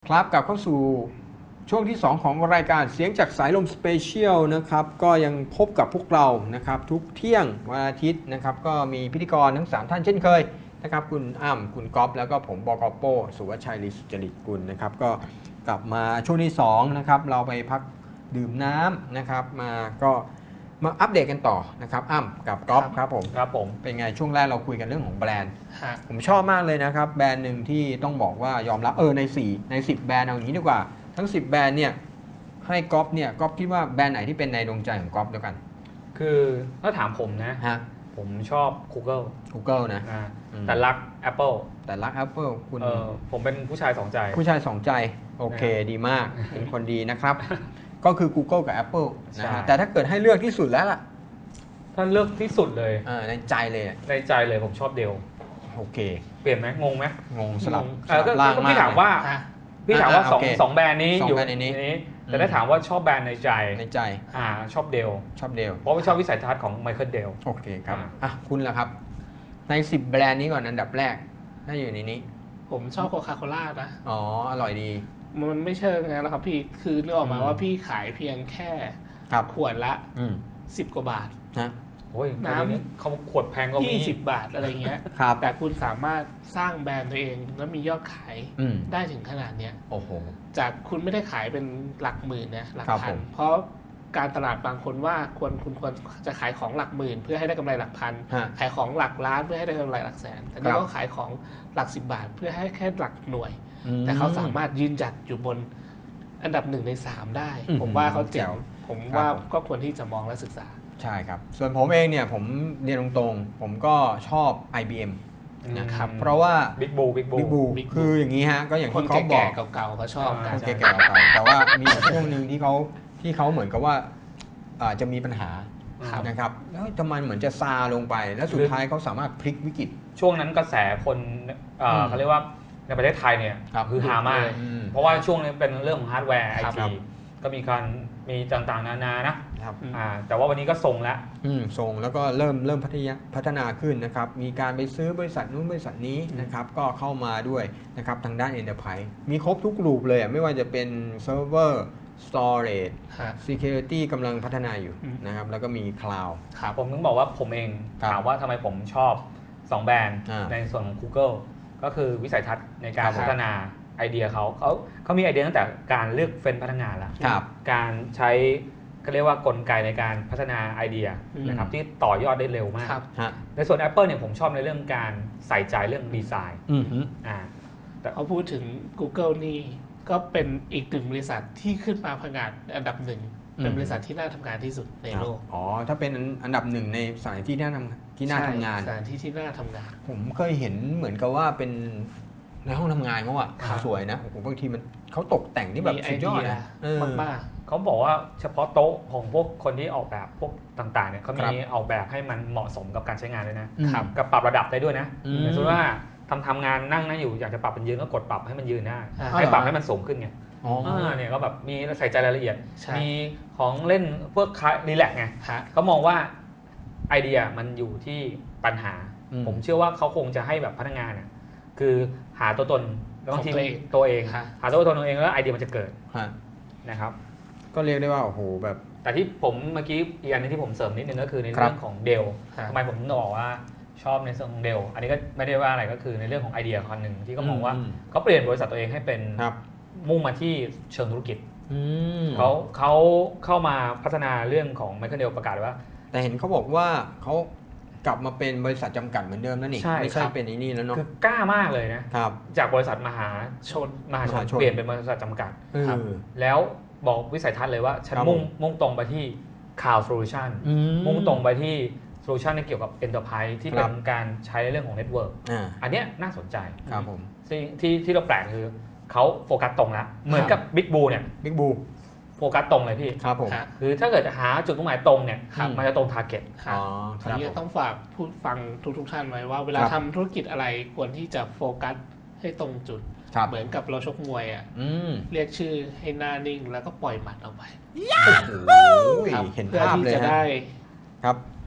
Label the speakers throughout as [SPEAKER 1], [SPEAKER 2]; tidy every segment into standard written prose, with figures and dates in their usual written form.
[SPEAKER 1] ครับกลับเข้าสู่ช่วงที่ 2 ของรายการเสียงจากสายลมสเปเชียลนะครับก็ยังพบกับพวกเรานะครับทุกเที่ยงวันอาทิตย์นะครับก็มีพิธีกรทั้ง 3 ท่านเช่นเคยนะครับคุณอ้ำคุณก๊อฟแล้วก็ผมบก.โป้สุวัชชัย ลีสุจริตกุลนะครับก็กลับมาช่วงที่2นะครับเราไปพักดื่มน้ำนะครับก็มาอัปเดตกันต่อนะครับอ้ำกับก๊อฟครับผมเป็นไงช่วงแรกเราคุยกันเรื่องของแบรนด์ผมชอบมากเลยนะครับแบรนด์หนึ่งที่ต้องบอกว่ายอมรับใน10แบรนด์เอาอย่างนี้ดีกว่าทั้ง10แบรนด์เนี่ยให้ก๊อฟเนี่ยก๊อฟคิดว่าแบรนด์ไหนที่เป็นในดวงใจของก๊อฟเดียวกัน
[SPEAKER 2] คือถ้าถามผมนะผมชอบ Google
[SPEAKER 1] นะ
[SPEAKER 2] แต่รัก Apple
[SPEAKER 1] คุณ
[SPEAKER 2] ผมเป็นผู้ชายสองใจ
[SPEAKER 1] โอเคดีมากเป็นคนดีนะครับก็คือ Google กับ Apple นะฮะแต่ถ้าเกิดให้เลือกที่สุดแล้วล่ะ
[SPEAKER 2] ถ้าเลือกที่สุดเลย
[SPEAKER 1] ในใจเลย
[SPEAKER 2] ผมชอบเดล
[SPEAKER 1] โอเค
[SPEAKER 2] เปลี่ยนไหมงงไหม
[SPEAKER 1] งงสลับ
[SPEAKER 2] ล่างมากพี่ถามว่าสองแบรนด์นี้อยู่ในนี้แต่ถ้าถามว่าชอบแบรนด์ในใจชอบเดลเพราะว่าชอบวิสัยทัศน์ของไมเคิลเดล
[SPEAKER 1] โอเคครับคุณล่ะครับใน10แบรนด์นี้ก่อนอันดับแรกถ้าอยู่ในนี้
[SPEAKER 3] ผมชอบโคคาโคล่านะ
[SPEAKER 1] อร่อยดี
[SPEAKER 3] มันไม่เชิงนะครับพี่คือนึกออกมาว่าพี่ขายเพียงแค่ขวดละ10 กว่าบาท
[SPEAKER 1] นะ
[SPEAKER 2] โอ้ยน้ำเขาขวดแพงก็มี
[SPEAKER 3] 20 บาทอะไรเงี้ยแต่คุณสามารถสร้างแบรนด์ตัวเองแล้วมียอดขายได้ถึงขนาดเนี้ย
[SPEAKER 1] โอ้โห
[SPEAKER 3] จากคุณไม่ได้ขายเป็นหลักหมื่นนะหลักพันเพราะการตลาดบางคนว่าคุณควรจะขายของหลักหมื่นเพื่อให้ได้กำไรหลักพันขายของหลักล้านเพื่อให้ได้กำไรหลักแสนแต่นี่ก็ขายของหลัก10 บาทเพื่อให้แค่หลักหน่วยแต่เขาสามารถยืนจัดอยู่บนอันดับ1 ใน 3ได้ผมว่าเขาเจ๋งผมว่าก็ควรที่จะมองและศึกษา
[SPEAKER 1] ใช่ครับส่วนผมเองเนี่ยผมเรียนตรงๆผมก็ชอบ IBM นะครับเพราะว่า
[SPEAKER 2] Big Blue
[SPEAKER 1] คืออย่างนี้ฮะก็อย่างที่เขาบอก
[SPEAKER 3] เก่าๆเขาชอบกัน
[SPEAKER 1] แก่ๆแต่ว่ามีช่วงหนึ่งที่เขาเหมือนกับว่าจะมีปัญหานะครับแล้วทำไมเหมือนจะซาลงไปแล้วสุดท้ายเขาสามารถพลิกวิกฤต
[SPEAKER 2] ช่วงนั้นกระแสคนเขาเรียกว่าในประเทศไทยเนี่ยคือฮามากเพราะว่าช่วงนี้เป็นเรื่องของฮาร์ดแวร์ไอทีก็มีต่างๆนานานะแต่ว่าวันนี้ก็ทรงแล้ว
[SPEAKER 1] แล้วก็เริ่มพัฒนาขึ้นนะครับมีการไปซื้อบริษัทนู้นบริษัทนี้นะครับก็เข้ามาด้วยนะครับทางด้าน Enterprise มีครบทุกรูปเลยไม่ว่าจะเป็น Server Storage Security กำลังพัฒนาอยู่นะครับแล้วก็มี Cloud
[SPEAKER 2] ผมต้องบอกว่าผมเองถามว่าทำไมผมชอบ2แบรนด์ในส่วนของ Google ก็คือวิสัยทัศน์ในการพัฒนาไอเดียเขามีไอเดียตั้งแต่การเลือกเฟ้นพนักงานแล้วการใช้ก็เรียกว่ากลไกในการพัฒนาไอเดียนะครับที่ต่อยอดได้เร็วมากในส่วน Apple เนี่ยผมชอบในเรื่องการใส่ใจเรื่องดีไซน์
[SPEAKER 3] แต่เขาพูดถึง Google นี่ก็เป็นอีกหนึ่งบริษัทที่ขึ้นมาผงาดอันดับ1เป็นบริษัทที่น่าทำงานที่สุดในโลก
[SPEAKER 1] ถ้าเป็นอันดับ1ในสถานที่ที่น่าทำงาน
[SPEAKER 3] สถานที่ที่น่าทำงาน
[SPEAKER 1] ผมเคยเห็นเหมือนกับว่าเป็นในห้องทำงานเขาสวยนะบางทีเขาตกแต่งที่แบบสุดยอดนะ
[SPEAKER 3] มาก
[SPEAKER 2] เขาบอกว่าเฉพาะโต๊ะของพวกคนที่ออกแบบพวกต่างๆเนี่ยเขามีออกแบบให้มันเหมาะสมกับการใช้งานเลยนะกับปรับระดับได้ด้วยนะอย่างเช่นว่าทำงานนั่งอยู่อยากจะปรับเป็นยืนก็กดปรับให้มันยืนได้ให้ปรับให้มันสูงขึ้นไงเนี่ยก็แบบมีใส่ใจรายละเอียดมีของเล่นพวกรีแลกซ์ไงเขามองว่าไอเดียมันอยู่ที่ปัญหาผมเชื่อว่าเขาคงจะให้แบบพนักงานเนี่ยคือหาตัวตนของตัวเองหาตัวตนตัวเองแล้วไอเดียมันจะเกิดนะครับ
[SPEAKER 1] ก็เรียกได้ว่าโอ้โหแบบ
[SPEAKER 2] แต่ที่ผมเมื่อกี้อีกอันนึงที่ผมเสริมนิดนึงก็คือในเรื่องของเดลทำไมผมถึงบอกว่าชอบในส่วนของเดลอันนี้ก็ไม่ได้ว่าอะไรก็คือในเรื่องของไอเดียคนหนึ่งที่เขามองว่าเขาเปลี่ยนบริษัทตัวเองให้เป็นมุ่งมาที่เชิงธุรกิจเขาเข้ามาพัฒนาเรื่องของไมเคิลเดลประกาศว่า
[SPEAKER 1] แต่เห็นเขาบอกว่าเขากลับมาเป็นบริษัทจำกัดเหมือนเดิมแล้วนี่ไม่ใช่เป็นนี่แล้วเนาะ
[SPEAKER 2] คือกล้ามากเลยนะครับจากบริษัทมหาชนเปลี่ยนเป็นบริษัทจำกัดแล้วบอกวิสัยทัศน์เลยว่าฉันมุ่งตรงไปที่ Cloud Solution มุ่งตรงไปที่โซลูชันเกี่ยวกับ Enterprise ที่เป็นการใช้เรื่องของ Network อันนี้น่าสนใจ
[SPEAKER 1] ครับผม
[SPEAKER 2] ที่เราแปลกคือเขาโฟกัสตรงแล้วเหมือนกับ Big Blue เนี่ย
[SPEAKER 1] Big Blue
[SPEAKER 2] โฟกัสตรงเลยพี่
[SPEAKER 1] ครับผม
[SPEAKER 2] คือถ้าเกิดหาจุดมุ่งหมายตรงเนี่ยมันจะตรง Target
[SPEAKER 3] ทีนี้ต้องฝากผู้ฟังทุกท่านไว้ว่าเวลาทำธุรกิจอะไรควรที่จะโฟกัสให้ตรงจุดเหมือนกับเราชกมวยเรียกชื่อให้หน้านิ่งแล้วก็ปล่อยหมัดออกไป
[SPEAKER 1] เห็นภาพเลย
[SPEAKER 3] จะได้
[SPEAKER 1] ครับ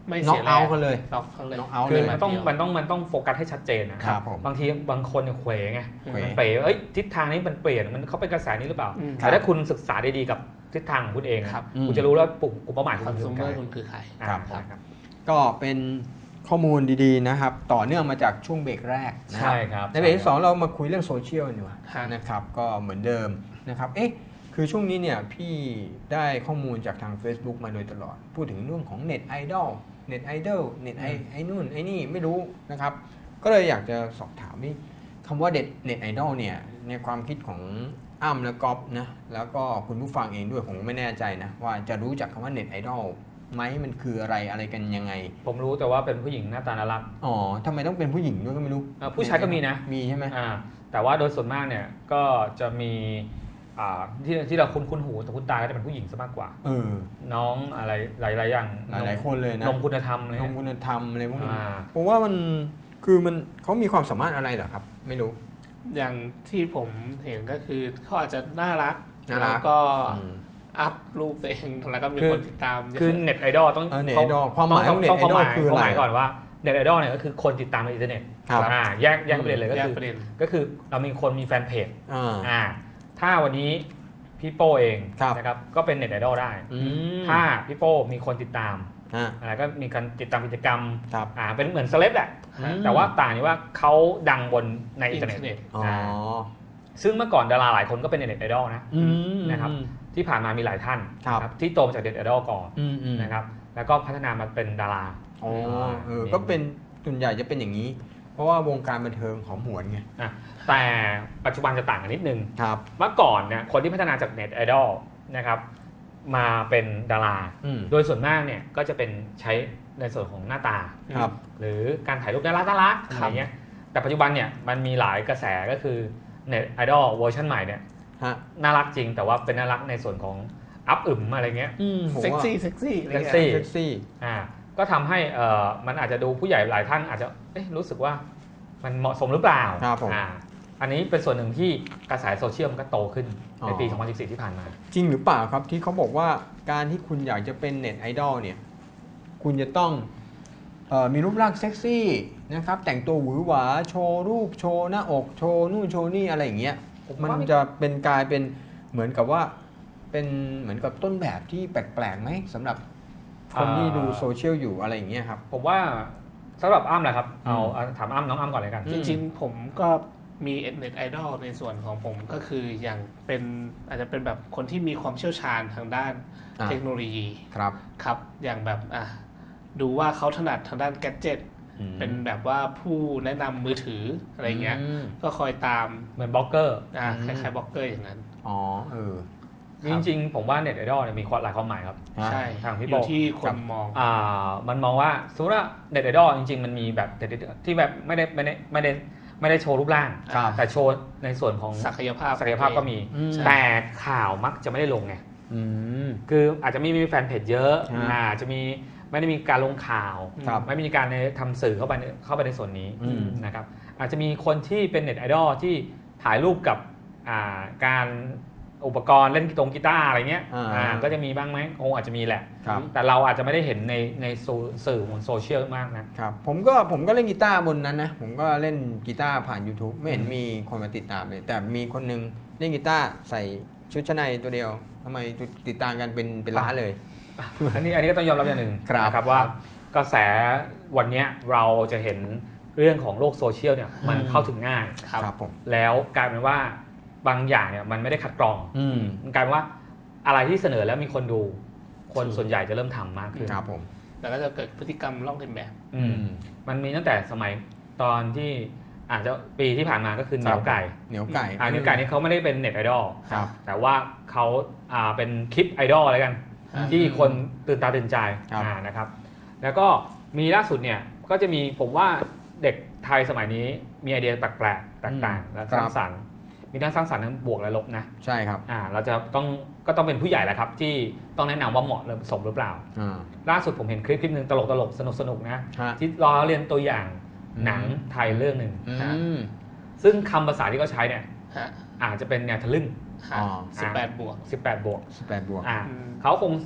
[SPEAKER 3] ไม่
[SPEAKER 1] น็อ
[SPEAKER 3] เสี
[SPEAKER 1] ก
[SPEAKER 3] ยแร
[SPEAKER 1] เอา
[SPEAKER 3] ง
[SPEAKER 1] กันเลย
[SPEAKER 3] น็อกเขาเลย
[SPEAKER 1] น็อกเอาท์
[SPEAKER 2] คือ
[SPEAKER 1] เลย
[SPEAKER 2] มันต้องโฟกัสให้ชัดเจนนะครับ
[SPEAKER 1] ผม
[SPEAKER 2] บางทีบางคนเนี่ยเขวไง
[SPEAKER 1] เขว
[SPEAKER 2] มันเป๋เอ้ยทิศทางนี้มันเปลี่ยนมันเขาเป็นกระแสนี้หรือเปล่า
[SPEAKER 3] อืม
[SPEAKER 2] แต่ถ้าคุณศึกษาดีๆกับทิศทางของคุณเอง
[SPEAKER 3] ครับ
[SPEAKER 2] คุณจะรู้แล้วกลุ่มเป้าหมาย
[SPEAKER 3] ค
[SPEAKER 2] ข
[SPEAKER 3] อ
[SPEAKER 2] อน ง
[SPEAKER 3] ซู
[SPEAKER 2] คุณ
[SPEAKER 3] เมอ
[SPEAKER 2] คือ
[SPEAKER 3] ร์
[SPEAKER 2] ใคร
[SPEAKER 3] คุณคือใคร
[SPEAKER 1] ครับ
[SPEAKER 2] ใช่ครับ
[SPEAKER 1] ก็เป็นข้อมูลดีๆนะครับ ต่อเนื่องมาจากช่วงเบรกแรกนะครั
[SPEAKER 2] ใช่ครับ
[SPEAKER 1] ในเบรกที่สองเรามาคุยเรื่องโซเชียลกันดีกว่า
[SPEAKER 3] ฮะ
[SPEAKER 1] นะครับ ก็เหมือนเดิมนะครับ คือช่วงนี้เนี่ยพี่ได้ข้อมูลจากทาง Facebook มาโดยตลอด พูดถึงเรื่องของเน็ตไอดอลเน็ตไอดอลเน็ตไอนู่นไอนี่ไม่รู้นะครับ ก็เลยอยากจะสอบถามนี่คำว่าเน็ตไอดอลเนี่ยในความคิดของอ้ำและก๊อฟนะแล้วก็คุณผู้ฟังเองด้วยผมไม่แน่ใจนะว่าจะรู้จักคำว่าเน็ตไอดอลไหมมันคืออะไรกันยังไง
[SPEAKER 2] ผมรู้แต่ว่าเป็นผู้หญิงหน้าตาน่ารัก
[SPEAKER 1] อ๋อทำไมต้องเป็นผู้หญิงด้วยก็ไม่รู้
[SPEAKER 2] ผู้ชายก็มีนะ
[SPEAKER 1] มีใช่ไหม
[SPEAKER 2] แต่ว่าโดยส่วนมากเนี่ยก็จะมีที่เราคุ้นหูแต่คุ้นตาก็จะเป็นผู้หญิงซะมากกว่า น้องอะไรหลายๆอย่าง
[SPEAKER 1] หลายคนเลยนะ
[SPEAKER 2] นมคุณธรรมอะไร
[SPEAKER 1] นมคุณธรรมอะไรพวกนี้
[SPEAKER 2] อ่า
[SPEAKER 1] ผมว่ามันเขามีความสามารถอะไรเหรอครับ ไม่รู้
[SPEAKER 3] อย่างที่ผมเห็นก็คือเขาอาจจะน่ารัก
[SPEAKER 1] น่ารัก
[SPEAKER 3] แล้วก็อัพรูปตัวเองแล้วก็มีคนติดตามเยอะ
[SPEAKER 2] คือเน็ตไอดอลต้อง
[SPEAKER 1] เน็ตไอดอลความหมายของเน็ตไอดอลคืออะไร
[SPEAKER 2] ความหมายก่อนว่าเน็ตไอดอลเนี่ยก็คือคนติดตามในอินเทอร์เน็ต
[SPEAKER 1] ครับ
[SPEAKER 2] แยกประเด็นเลยก็
[SPEAKER 3] แยก
[SPEAKER 2] คือ
[SPEAKER 3] ประเด็น
[SPEAKER 2] ก็คือเรามีคนมีแฟนเพจ
[SPEAKER 1] อ่า
[SPEAKER 2] ถ้าวันนี้พี่โป้เอง
[SPEAKER 1] ครับ
[SPEAKER 2] นะครับก็เป็นเน็ตไอดอลได้
[SPEAKER 1] อืม
[SPEAKER 2] ถ้าพี่โป้มีคนติดตาม
[SPEAKER 1] อ่า
[SPEAKER 2] อะไรก็มีการติดตามกิจกรรม
[SPEAKER 1] ครับ
[SPEAKER 2] เป็นเหมือนเซเลบแหละ
[SPEAKER 1] อืม
[SPEAKER 2] แต่ว่าต่างที่ว่าเขาดังบนในอินเทอร์เน็ต
[SPEAKER 1] อ๋อ
[SPEAKER 2] ซึ่งเมื่อก่อนดาราหลายคนก็เป็นเน็ตไอดอลนะ
[SPEAKER 1] อืม
[SPEAKER 2] นะครับ ที่ผ่านมามีหลายท่าน
[SPEAKER 1] ครับ
[SPEAKER 2] นะที่โตมาจากเน็ตไอดอลก่อน
[SPEAKER 1] อืม
[SPEAKER 2] นะครับแล้วก็พัฒนามาเป็นดารา
[SPEAKER 1] อ๋อก็เป็นส่วนใหญ่จะเป็นอย่างนี้ เพราะว่าวงการบันเทิงหอมหวนไง
[SPEAKER 2] แต่ปัจจุบันจะต่างกันนิดนึง
[SPEAKER 1] ครับ
[SPEAKER 2] เมื่อก่อนเนี่ยคนที่พัฒนาจากเน็ตไอดอลนะครับมาเป็นดารา โดยส่วนมากเนี่ยก็จะเป็นใช้ในส่วนของหน้าตา
[SPEAKER 1] ครับ
[SPEAKER 2] หรือการถ่ายรูปน่ารักอะไรเงี้ยแต่ปัจจุบันเนี่ยมันมีหลายกระแสก็คือเน็ตไอดอลเวอร์ชันใหม่เนี่ย
[SPEAKER 1] ฮะ
[SPEAKER 2] น่ารักจริงแต่ว่าเป็นน่ารักในส่วนของอัพอึมอะไรเงี้ย
[SPEAKER 1] ผม
[SPEAKER 3] เซ็ก
[SPEAKER 1] ว่า
[SPEAKER 3] ซี่เซ็กซี่อะไร
[SPEAKER 2] เซ็ก
[SPEAKER 3] เงี้ย
[SPEAKER 2] ซี่
[SPEAKER 1] เซ็กซี่
[SPEAKER 2] ก็ทำให้มันอาจจะดูผู้ใหญ่หลายท่านอาจจะรู้สึกว่ามันเหมาะสมหรือเปล่า
[SPEAKER 1] ครับผม
[SPEAKER 2] อันนี้เป็นส่วนหนึ่งที่กระแสโซเชียลมันก็โตขึ้นในปี 2014 ที่ผ่านมา
[SPEAKER 1] จริงหรือเปล่าครับที่เขาบอกว่าการที่คุณอยากจะเป็นเน็ตไอดอลเนี่ยคุณจะต้องมีรูปร่างเซ็กซี่นะครับแต่งตัวหวือหวาโชว์รูปโชว์หน้าอกโชว์นู่นโชว์นี่อะไรอย่างเงี้ย
[SPEAKER 2] ผมว่า
[SPEAKER 1] มันจะเป็นกลายเป็นเหมือนกับว่าเป็นเหมือนกับต้นแบบที่แปลกๆไหมสำหรับคนที่ดูโซเชียลอยู่อะไรอย่างเงี้ยครับ
[SPEAKER 2] ผมว่าสำหรับอ้ำแหละครับเอาถามอ้ำน้องอ้ำก่อนเลยกัน
[SPEAKER 3] จริงๆผมก็มีเน็ตไอดอลในส่วนของผมก็คืออย่างเป็นอาจจะเป็นแบบคนที่มีความเชี่ยวชาญทางด้านเทคโนโลยี
[SPEAKER 1] ครับ
[SPEAKER 3] ครับอย่างแบบดูว่าเขาถนัดทางด้านแกดเจ็ตเป็นแบบว่าผู้แนะนำมือถืออะไรเงี้ยก็คอยตาม
[SPEAKER 2] เหมือนบล็อกเกอร์
[SPEAKER 3] คล้ายๆบล็อกเกอร์อย่างนั้น
[SPEAKER 1] อ๋อ
[SPEAKER 2] จริงๆผมว่าเน็ตไอดอลเนี่ยมีหลายความหมายครับ
[SPEAKER 3] ใช่
[SPEAKER 2] ทางพี่
[SPEAKER 3] อ
[SPEAKER 2] โบ
[SPEAKER 3] ยู่ที่คนมอง
[SPEAKER 2] มันมองว่าสมมติว่าเน็ตไอดอลจริงๆมันมีแบบที่แบบไม่ได้โชว์รูปร่าง
[SPEAKER 1] ครับ
[SPEAKER 2] แต่โชว์ในส่วนของ
[SPEAKER 3] ศักยภาพ
[SPEAKER 2] ก็มี
[SPEAKER 3] ใช่
[SPEAKER 2] แต่ข่าวมักจะไม่ได้ลงไง
[SPEAKER 1] อืม
[SPEAKER 2] คืออาจจะไม่มีแฟนเพจเยอะ
[SPEAKER 1] ฮะ
[SPEAKER 2] จะมีไม่ได้มีการลงข่าว
[SPEAKER 1] ครับ
[SPEAKER 2] ไม่มีการทำสื่อเข้าไปในส่วนนี้
[SPEAKER 1] อืม
[SPEAKER 2] นะครับอาจจะมีคนที่เป็นเน็ตไอดอลที่ถ่ายรูปกับการอุปกรณ์เล่นกีตาร์อะไรเงี้ยก็จะมีบ้างไหมคงอาจจะมีแหละ
[SPEAKER 1] ครับ
[SPEAKER 2] แต่เราอาจจะไม่ได้เห็นในสื่อบนโซเชียลมากนะครับ
[SPEAKER 1] ผมก็เล่นกีตาร์บนนั้นนะผมก็เล่นกีตาร์ผ่าน YouTube ไม่เห็นมีคนมาติดตามเลย แต่มีคนนึงเล่นกีตาร์ใส่ชุดชั้นในตัวเดียวทำไมติดตามกันเป็นล้านเลย
[SPEAKER 2] อันนี้ก็ต้องยอมรับอย่างหนึ่ง
[SPEAKER 1] ครับ
[SPEAKER 2] นะครับว่ากระแสวันเนี้ยเราจะเห็นเรื่องของโลกโซเชียลเนี่ยมันเข้าถึงง่าย
[SPEAKER 1] ครับผม
[SPEAKER 2] แล้วกลายเป็นว่าบางอย่างเนี่ยมันไม่ได้คัดกรอง มันกลายเป็นว่าอะไรที่เสนอแล้วมีคนดูคนส่วนใหญ่จะเริ่มทำมากขึ้น
[SPEAKER 1] ครับผม
[SPEAKER 3] แล้วก็จะเกิดพฤติกรรมลอกเลียนแบบ
[SPEAKER 2] มันมีตั้งแต่สมัยตอนที่อาจจะปีที่ผ่านมาก็คือเหนียวไก่
[SPEAKER 1] เหนียวไก่
[SPEAKER 2] เหนียวไก่นี่เขาไม่ได้เป็นเน็ตไอดอล
[SPEAKER 1] ครับ
[SPEAKER 2] แต่ว่าเขาเป็นคลิปไอดอลอะไรกัน ที่คนตื่นตาตื่นใจ
[SPEAKER 1] ครับ
[SPEAKER 2] นะครับ แล้วก็มีล่าสุดเนี่ยก็จะมีผมว่าเด็กไทยสมัยนี้มีไอเดียแปลกๆแตกต่างและสร้างสรรค์มีทั้งสร้างสรรค์ทั้งบวกและลบนะ
[SPEAKER 1] ใช่ครับ
[SPEAKER 2] เราจะก็ต้องเป็นผู้ใหญ่แหละครับที่ต้องแนะนำว่าเหมาะหรือสมหรือเปล่า ล่าสุดผมเห็นคลิปหนึ่งตลกสนุกนะ ที่ล้อเลียนตัวอย่างหนังไทยเรื่องหนึ่งซึ่งคำภาษาที่เขาใช้เนี่ยอาจจะเป็นแนวทะลึ่ง
[SPEAKER 1] อ๋อ
[SPEAKER 3] 18 บวก
[SPEAKER 2] 18 บวก
[SPEAKER 1] 18 บวก
[SPEAKER 2] เขาคง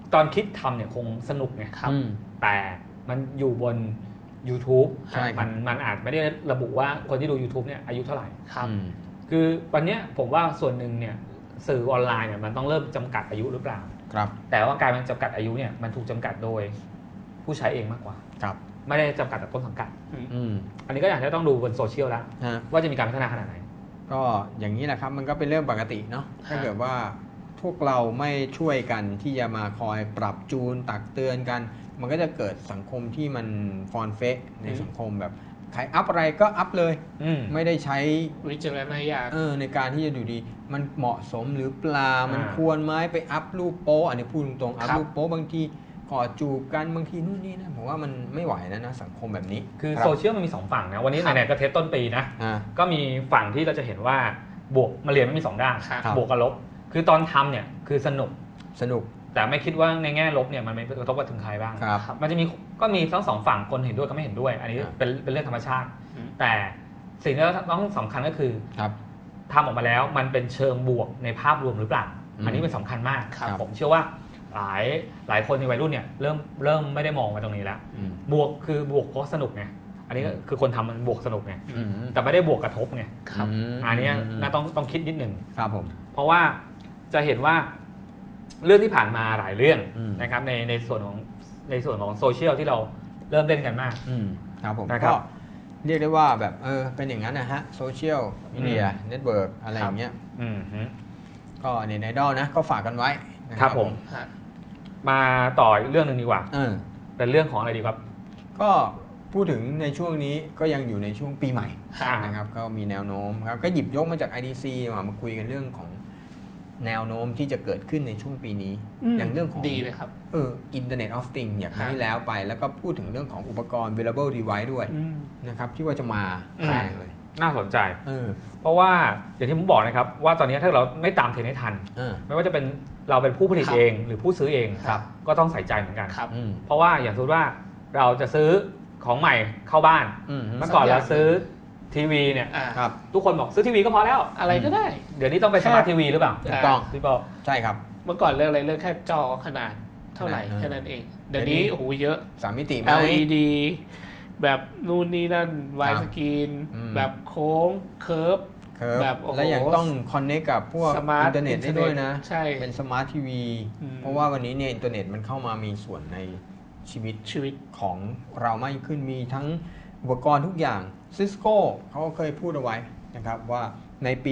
[SPEAKER 2] ตอนคิดทำเนี่ยคงสนุกไง
[SPEAKER 3] ครับ
[SPEAKER 2] แต่มันอยู่บน YouTube
[SPEAKER 1] ใช่ครับ
[SPEAKER 2] มันอาจไม่ได้ระบุว่าคนที่ดู YouTube เนี่ยอายุเท่าไหร่
[SPEAKER 3] ครับ
[SPEAKER 2] คือวันเนี้ยผมว่าส่วนหนึ่งเนี่ยสื่อออนไลน์เนี่ยมันต้องเริ่มจำกัดอายุหรือเปล่า
[SPEAKER 1] ครับ
[SPEAKER 2] แต่ว่าการมันจำกัดอายุเนี่ยมันถูกจำกัดโดยผู้ใช้เองมากกว่า
[SPEAKER 1] ครับ
[SPEAKER 2] ไม่ได้จำกัดจากต้นสังกัด
[SPEAKER 1] อืม
[SPEAKER 2] อันนี้ก็อยากจะต้องดูบนโซเชียลแล้ว
[SPEAKER 1] ฮะ
[SPEAKER 2] ว่าจะมีการพัฒนาขนาดไหน
[SPEAKER 1] ก็อย่างนี้แหละครับมันก็เป็นเรื่องปกติเนาะถ้าเกิดว่าพวกเราไม่ช่วยกันที่จะมาคอยปรับจูนตักเตือนกัน มันก็จะเกิดสังคมที่มันฟอนเฟกในสังคมแบบใครอัพอะไรก็อัพเลย ไม่ได้ใช้
[SPEAKER 3] วิจารณญาณ
[SPEAKER 1] ในการที่จะดูดีมันเหมาะสมหรือเปล่ามันควรไหมไปอัพรูปโป๊อันนี้พูดตรงๆอัพ
[SPEAKER 3] ครับ
[SPEAKER 1] รูปโป๊บางทีกอดจูบกันบางทีนู่นนี่นะผมว่ามันไม่ไหวนะสังคมแบบนี้
[SPEAKER 2] คือ
[SPEAKER 1] รับ
[SPEAKER 2] โซเชียลมันมี2ฝั่งนะวันนี้
[SPEAKER 3] ครับ
[SPEAKER 2] ไหนๆก็เทสต้นปีนะ
[SPEAKER 1] อ่า
[SPEAKER 2] ก็มีฝั่งที่เราจะเห็นว่าบวกมาเรียนมันมี2ด้าน
[SPEAKER 3] ครับ
[SPEAKER 2] บวกกับลบ คือตอนทำเนี่ยคือสนุก
[SPEAKER 1] สนุก
[SPEAKER 2] แต่ไม่คิดว่าในแง่ลบเนี่ยมันไม่กระทบกับถึงใครบ้าง
[SPEAKER 1] ครับ
[SPEAKER 2] มันจะมีก็มีทั้งสองฝั่งคนเห็นด้วยกับไม่เห็นด้วย อันนี้
[SPEAKER 1] ครับ
[SPEAKER 2] เป็นเรื่องธรรมชาติ
[SPEAKER 3] อืม
[SPEAKER 2] แต่สิ่งที่ต้องสำคัญก็คือ
[SPEAKER 1] ครับ
[SPEAKER 2] ทำออกมาแล้วมันเป็นเชิงบวกในภาพรวมหรือเปล่า
[SPEAKER 1] อืม
[SPEAKER 2] อันนี้เป็นสำคัญมาก
[SPEAKER 1] ครับ
[SPEAKER 2] ผมเชื่อว่าหลายคนในวัยรุ่นเนี่ยเริ่มไม่ได้มองมาตรงนี้แล้ว
[SPEAKER 1] อืม
[SPEAKER 2] บวกคือบวกเพราะสนุกไงอันนี้ก็คือคนทำมันบวกสนุกไง
[SPEAKER 1] อืม
[SPEAKER 2] แต่ไม่ได้บวกกระทบไง
[SPEAKER 3] ครับ
[SPEAKER 2] อันนี้น่าต้องคิดนิดหนึ่ง
[SPEAKER 1] ครับผม
[SPEAKER 2] เพราะว่าจะเห็นว่าเรื่องที่ผ่านมาหลายเรื่อง
[SPEAKER 1] อืม
[SPEAKER 2] นะครับในส่วนของโซเชียลที่เราเริ่มเล่นกันมาก
[SPEAKER 1] ครับผม
[SPEAKER 2] นะครับ
[SPEAKER 1] ก็เรียกได้ว่าแบบเป็นอย่างนั้นนะฮะโซเชียลมีเดียเน็ตเวิร์กอะไรอย่างเงี้ย
[SPEAKER 2] อืมฮึ
[SPEAKER 1] ก็เน็ตไอดอลนะก็ฝากกันไว้นะ
[SPEAKER 2] ครับผม
[SPEAKER 3] ฮะ
[SPEAKER 2] มาต่ออีกเรื่องหนึ่งดีกว่า
[SPEAKER 1] เออ
[SPEAKER 2] เป็นเรื่องของอะไรดีครับ
[SPEAKER 1] ก็พูดถึงในช่วงนี้ก็ยังอยู่ในช่วงปีใหม่
[SPEAKER 2] อ่า
[SPEAKER 1] นะครับก็มีแนวโน้มครับก็หยิบยกมาจาก IDC มาคุยกันเรื่องของแนวโน้มที่จะเกิดขึ้นในช่วงปีนี้ อย่างเรื่องของ
[SPEAKER 3] ดีเลยครับ
[SPEAKER 1] Internet of Things อย่าง
[SPEAKER 3] ครับ
[SPEAKER 1] ที่แล้วไป แล้วก็พูดถึงเรื่องของอุปกรณ์ wearable device ด้วยนะครับที่ว่าจะมาแรงเลย
[SPEAKER 2] น่าสนใจ
[SPEAKER 1] เออ
[SPEAKER 2] เพราะว่าอย่างที่ผมบอกนะครับว่าตอนนี้ถ้าเราไม่ตามเทรนด์ให้ทัน
[SPEAKER 1] เออ
[SPEAKER 2] ไม่ว่าจะเป็นเราเป็นผู้ผลิต
[SPEAKER 3] ครับ
[SPEAKER 2] เองหรือผู้ซื้อเอง
[SPEAKER 3] ครับ
[SPEAKER 2] ก็ต้องใส่ใจเหมือนกัน
[SPEAKER 3] ครับ
[SPEAKER 1] อืม
[SPEAKER 2] เพราะว่าอย่างสมมติว่าเราจะซื้อของใหม่เข้าบ้าน
[SPEAKER 1] อืม
[SPEAKER 2] เมื่อก่อนเราซื้อทีวีเนี่ย
[SPEAKER 3] อ่า
[SPEAKER 1] ครับ
[SPEAKER 2] ทุกคนบอกซื้อทีวีก็พอแล้ว
[SPEAKER 3] อะไรก็ได้
[SPEAKER 2] เดี๋ยวนี้ต้องไปสมาร์ททีวีหรือเปล่า
[SPEAKER 1] ถูกต้อง
[SPEAKER 2] พี่บอก
[SPEAKER 1] ใช่ครับ
[SPEAKER 3] เมื่อก่อนเรื่องอะไรเรื่องแค่จอขนาดเท่าไหร่
[SPEAKER 1] ขนาด
[SPEAKER 3] แค่นั้นเอง เดี๋ยวนี้โอ้โหเยอะ
[SPEAKER 1] 3 มิติไหม
[SPEAKER 3] LED แบบนู่นนี่นั่นไว
[SPEAKER 1] ครับ
[SPEAKER 3] สกรีน
[SPEAKER 1] อืม
[SPEAKER 3] แบบโค้งเคิร์ฟ
[SPEAKER 1] ครับ
[SPEAKER 3] แบบโอ้โห
[SPEAKER 1] และยังต้องคอนเน c กับพวก
[SPEAKER 3] สมาร์ท
[SPEAKER 1] อินเทอร์เน็ตได้ด้วยนะ
[SPEAKER 3] ใช่
[SPEAKER 1] เป็นสมาร์ททีวี
[SPEAKER 3] อืม
[SPEAKER 1] เพราะว่าวันนี้เนี่ยอินเทอร์เน็ตมันเข้ามามีส่วนในชีวิต
[SPEAKER 3] ชีวิต
[SPEAKER 1] ของเรามากขึ้นมีทั้งอุปกรณ์ทุกอย่าง Cisco เขาก็เคยพูดเอาไว้นะครับว่าในปี